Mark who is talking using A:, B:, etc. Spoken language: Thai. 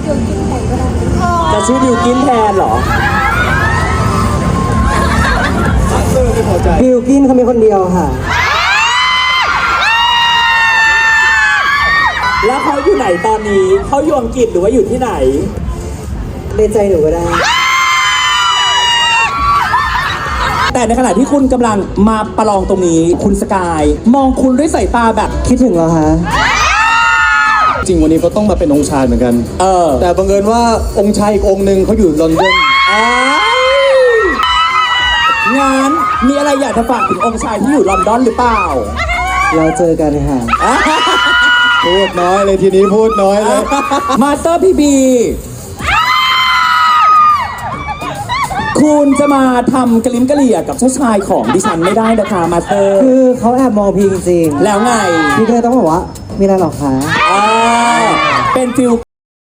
A: จะชื่อบิวกินแทนเหรอ
B: บิลกินเขามีคนเดียวค่ะ
A: แล้วเขาอยู่ไหนตอนนี้เขาอยู่อังกฤษหรือว่าอยู่ที่ไหน
B: ในใจหนูก็ได้
A: แต่ในขณะที่คุณกำลังมาประลองตรงนี้คุณสกายมองคุณด้วยสายตาแบบ
B: คิดถึงเหรอคะ
C: จริงวันนี้เขาต้องมาเป็นองค์ชายเหมือนกัน แต่บังเอิญว่าองค์ชายอีกองค์หนึ่งเขาอยู่ลอนดอน
A: งานมีอะไรอยากจะฝากถึงองค์ชายที่อยู่ลอนดอนหรือเปล่า
B: เราเจอกันค่ะ
C: พูดน้อยเลยทีนี้พูดน้อยเลย
A: มาสเตอร์พีบีคุณจะมาทำกระลิ้มกระเหลี่ยกับเจ้าชายของดิฉันไม่ได้นะคะมาสเตอร์
B: คือเขาแอบมองพี่จริง
A: แล้วไง
B: ๆพี่ก็เลยต้องบอกว่ามีอะไรหรอคะ
A: เป็นฟิล